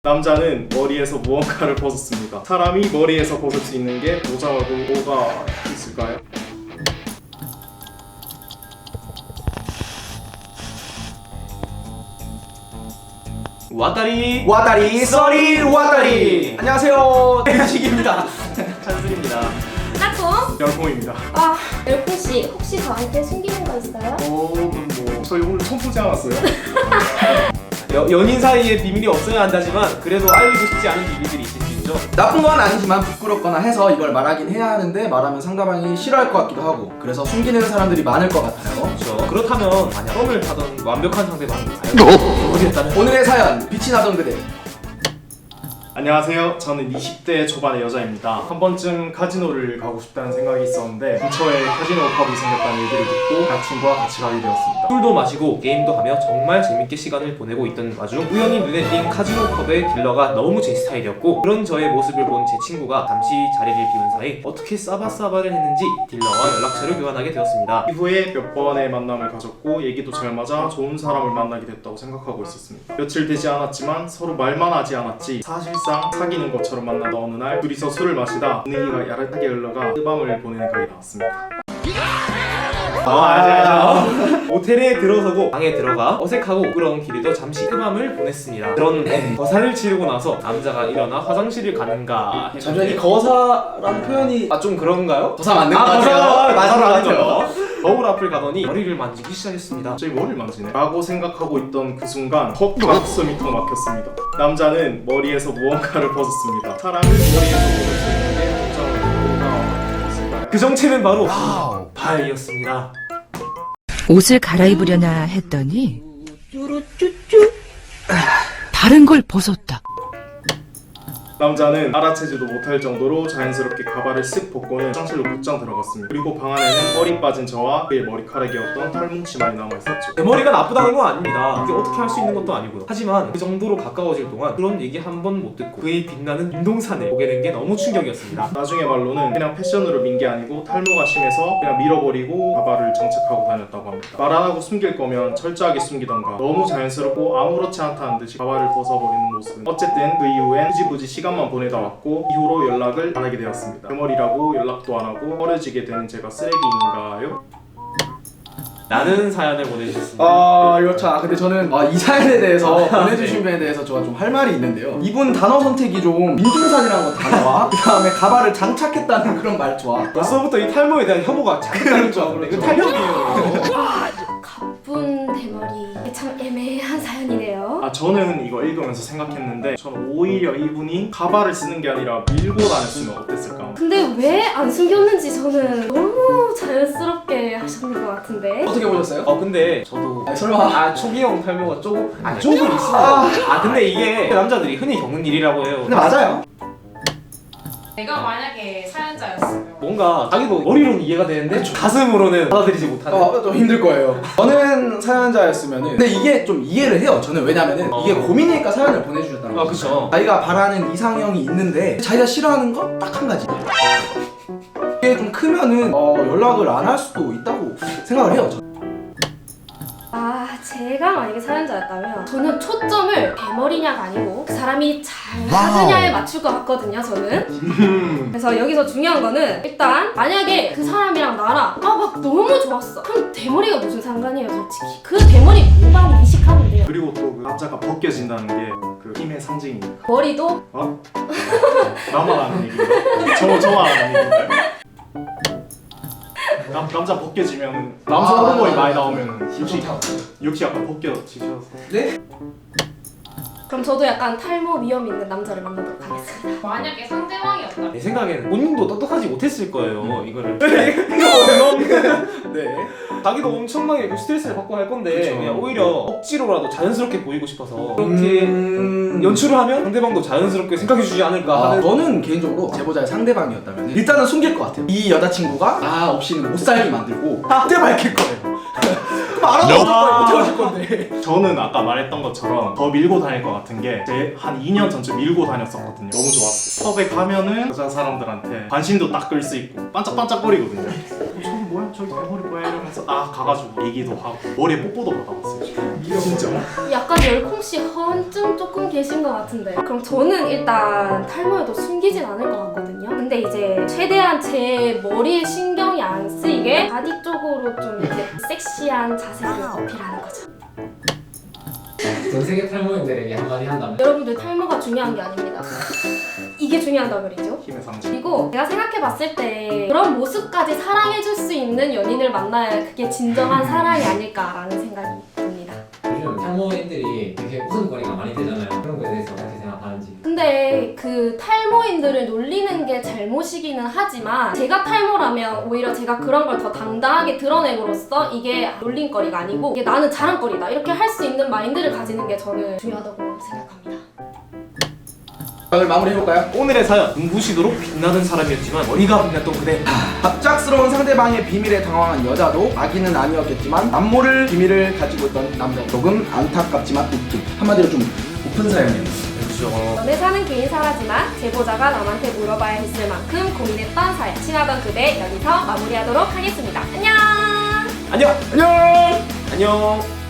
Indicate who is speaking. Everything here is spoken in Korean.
Speaker 1: 남자는 머리에서 무언가를 벗었습니다. 사람이 머리에서 벗을 수 있는 게 모자 말고 뭐가 있을까요?
Speaker 2: 와다리 쏘리 와다리. 안녕하세요, 대식입니다.
Speaker 1: 찬슬입니다.
Speaker 3: 까꿍!
Speaker 1: 열콩입니다.
Speaker 3: 아, 열콩씨 혹시 저한테 숨기는 거 있어요?
Speaker 1: 저희 오늘 처음 보지 않았어요?
Speaker 2: 연인 사이에 비밀이 없어야 한다지만 그래도 알리고 싶지 않은 비밀들이 있을 수 있죠.
Speaker 4: 나쁜 건 아니지만 부끄럽거나 해서 이걸 말하긴 해야 하는데 말하면 상대방이 싫어할 것 같기도 하고 그래서 숨기는 사람들이 많을 것 같아요.
Speaker 2: 그렇죠. 그렇다면 만약 썸을 타던 완벽한 상대방이 과연 어디였다면?
Speaker 4: 오늘의 사연, 빛이 나던 그대.
Speaker 1: 안녕하세요. 저는 20대 초반의 여자입니다. 한 번쯤 카지노를 가고 싶다는 생각이 있었는데 근처에 카지노 펍이 생겼다는 얘기를 듣고 친구와 같이 가게 되었습니다.
Speaker 2: 술도 마시고 게임도 하며 정말 재밌게 시간을 보내고 있던 와중 우연히 눈에 띈 카지노 펍의 딜러가 너무 제 스타일이었고 그런 저의 모습을 본 제 친구가 잠시 자리를 비운 사이 어떻게 싸바싸바를 했는지 딜러와 연락처를 교환하게 되었습니다.
Speaker 1: 이후에 몇 번의 만남을 가졌고 얘기도 잘 맞아 좋은 사람을 만나게 됐다고 생각하고 있었습니다. 며칠 되지 않았지만 서로 말만 하지 않았지 사실상 사귀는 것처럼 만나다 어느 날 둘이서 술을 마시다 분위기가 야릇하게 흘러가 뜨밤을 보내는 각이 나왔습니다.
Speaker 2: 모텔에 들어서고 방에 들어가 어색하고 부끄러운 길에도 잠시 뜨밤을 보냈습니다. 그런데 거사를 치르고 나서 남자가 일어나 화장실을 가는가
Speaker 4: 잠시만, 이
Speaker 2: 했는데
Speaker 4: 거사라는 표현이
Speaker 2: 좀 그런가요?
Speaker 4: 거사 맞는 것 같아요.
Speaker 2: 맞는 것
Speaker 4: 맞는 것
Speaker 2: 같아요. 거울 앞을 가더니 머리를 만지기 시작했습니다.
Speaker 1: 저희 머리를 만지네? 라고 생각하고 있던 그 순간 가슴이 턱 막혔습니다. 남자는 머리에서 무언가를 벗었습니다. 사람을 머리에서 벗을 수 있는 게 뭐가 있을까요?
Speaker 2: 그 정체는 바로 발이었습니다.
Speaker 5: 옷을 갈아입으려나 했더니 다른 걸 벗었다.
Speaker 1: 남자는 알아채지도 못할 정도로 자연스럽게 가발을 쓱 벗고는 화장실로 곧장 들어갔습니다. 그리고 방 안에는 머리 빠진 저와 그의 머리카락이었던 털뭉치만이 남아있었죠.
Speaker 2: 제 머리가 나쁘다는 건 아닙니다. 그게 어떻게 할 수 있는 것도 아니고요. 하지만 그 정도로 가까워질 동안 그런 얘기 한 번 못 듣고 그의 빛나는 윤동산을 보게 된 게 너무 충격이었습니다.
Speaker 1: 나중에 말로는 그냥 패션으로 민 게 아니고 탈모가 심해서 그냥 밀어버리고 가발을 장착하고 다녔다고 합니다. 말 안 하고 숨길 거면 철저하게 숨기던가 너무 자연스럽고 아무렇지 않다는 듯이 가발을 벗어버리는 모습은 어쨌든 그 이후엔 굳이 시간만 보내다 왔고 이후로 연락을 안 하게 되었습니다. 그 머리라고 연락도 안 하고 버려지게 되는 제가 쓰레기인가요?
Speaker 2: 라는 사연을 보내주셨습니다.
Speaker 4: 이거 참. 근데 저는 이 사연에 대해서 보내주신 분에 대해서 제가 좀 할 말이 있는데요. 이분 단어 선택이 좀 민중산이라는 거 단어와 그 다음에 가발을 장착했다는 그런 말투와
Speaker 2: 벌써부터 이 탈모에 대한 혐오가 자극하는 줄 알았는데 이거 탈모이에요.
Speaker 3: 가쁜 대머리. 이게 참 애매한 사연이네요.
Speaker 1: 저는 이거 읽으면서 생각했는데 저는 오히려 이분이 가발을 쓰는 게 아니라 밀고 다녔으면 어땠을까?
Speaker 3: 근데 왜 안 숨겼는지 저는 너무 자연스럽게 하셨는 것 같은데.
Speaker 4: 어떻게 보셨어요?
Speaker 2: 근데 저도
Speaker 4: 설마
Speaker 2: 초기형 탈모가 조금 있습니다. 근데 이게 남자들이 흔히 겪는 일이라고 해요.
Speaker 4: 근데 맞아요.
Speaker 6: 내가 만약에 사연자였으면
Speaker 2: 뭔가 자기도 머리로는 이해가 되는데 가슴으로는 받아들이지 못하는.
Speaker 4: 좀 힘들 거예요. 저는 사연자였으면은 근데 이게 좀 이해를 해요. 저는 왜냐면은 이게 고민이니까 사연을 보내주셨다는 거죠.
Speaker 2: 그쵸.
Speaker 4: 자기가 바라는 이상형이 있는데 자기가 싫어하는 건 딱 한 가지. 이게 좀 크면은 연락을 안 할 수도 있다고 생각을 해요.
Speaker 3: 제가 만약에 사연자였다면 저는 초점을 대머리냐가 아니고 그 사람이 잘 하느냐에 맞출 것 같거든요, 저는. 그래서 여기서 중요한 거는 일단 만약에 그 사람이랑 나랑 막 너무 좋았어. 그럼 대머리가 무슨 상관이에요, 솔직히. 그 대머리 무방 인식하면 돼요.
Speaker 1: 그리고 또 그 남자가 벗겨진다는 게 그 힘의 상징이니까.
Speaker 3: 머리도
Speaker 1: 나만 아는 얘기인가? 저만 아는 얘기인가요? 남자 벗겨지면 남성 호르몬이 많이 나오면 역시 약간 벗겨지셔서.
Speaker 4: 네?
Speaker 3: 그럼 저도 약간 탈모 위험 있는 남자를 만나도록 하겠습니다.
Speaker 6: 만약에 상대방이었다면
Speaker 2: 내 생각에는 본인도 똑똑하지 못했을 거예요. 이거를.
Speaker 4: 네.
Speaker 2: 자기도 엄청나게 스트레스를 받고 할 건데
Speaker 4: 그쵸.
Speaker 2: 그냥 오히려 억지로라도 자연스럽게 보이고 싶어서 그렇게 연출을 하면 상대방도 자연스럽게 생각해주지 않을까 하는.
Speaker 4: 저는 개인적으로 제보자의 상대방이었다면 일단은 숨길 것 같아요. 이 여자친구가 나 없이는 못 살게 만들고 그때 밝힐 거예요. 그럼 알아서 어떻게 하실 건데.
Speaker 1: 저는 아까 말했던 것처럼 더 밀고 다닐 것 같은 게 제 한 2년 전쯤 밀고 다녔었거든요. 너무 좋았어요. 펍에 가면은 여자 사람들한테 관심도 딱 끌 수 있고 반짝반짝거리거든요. 저기 뭐야? 저기 대머리 뭐야 이러면서 가가지고 얘기도 하고 머리에 뽀뽀도 받아봤어요. 진짜.
Speaker 3: 약간 열콩씨 허언증 조금 계신 것 같은데 그럼 저는 일단 탈모여도 숨기진 않을 것 같거든요. 근데 이제 최대한 제 머리에 신경이 안 쓰이게 바디 쪽으로 좀 이렇게 섹시한 자세를 어필하는 거죠.
Speaker 7: 전 세계 탈모인들에게 한마디 한다면?
Speaker 3: 여러분들 탈모가 중요한 게 아닙니다. 이게 중요하단 말이죠.
Speaker 1: 힘의 상징.
Speaker 3: 그리고 제가 생각해봤을 때 그런 모습까지 사랑해줄 수 있는 연인을 만나야 그게 진정한 사랑이 아닐까라는 생각이 듭니다.
Speaker 7: 요즘 탈모인들이 되게 웃음거리가 많이 되잖아요. 그런 거에 대해서 어떻게 생각하는지.
Speaker 3: 근데 그 탈모인들을 놀리는 게 잘못이기는 하지만 제가 탈모라면 오히려 제가 그런 걸 더 당당하게 드러냄으로써 이게 놀림거리가 아니고 이게 나는 자랑거리다 이렇게 할 수 있는 마인드를 가지는 게 저는 중요하다고 생각합니다.
Speaker 4: 오늘 마무리해볼까요?
Speaker 2: 오늘의 사연 눈부시도록 빛나는 사람이었지만 머리가 빛났던 그대.
Speaker 4: 갑작스러운 상대방의 비밀에 당황한 여자도 아기는 아니었겠지만 남모를 비밀을 가지고 있던 남자 조금 안타깝지만 웃긴 한마디로 좀 고픈 사연이에요.
Speaker 2: 그렇죠.
Speaker 3: 연애 사는 개인사라지만 제보자가 남한테 물어봐야 했을 만큼 고민했던 사연 친하던 그대 여기서 마무리하도록 하겠습니다. 안녕!
Speaker 2: 안녕.
Speaker 4: 안녕.
Speaker 2: 안녕.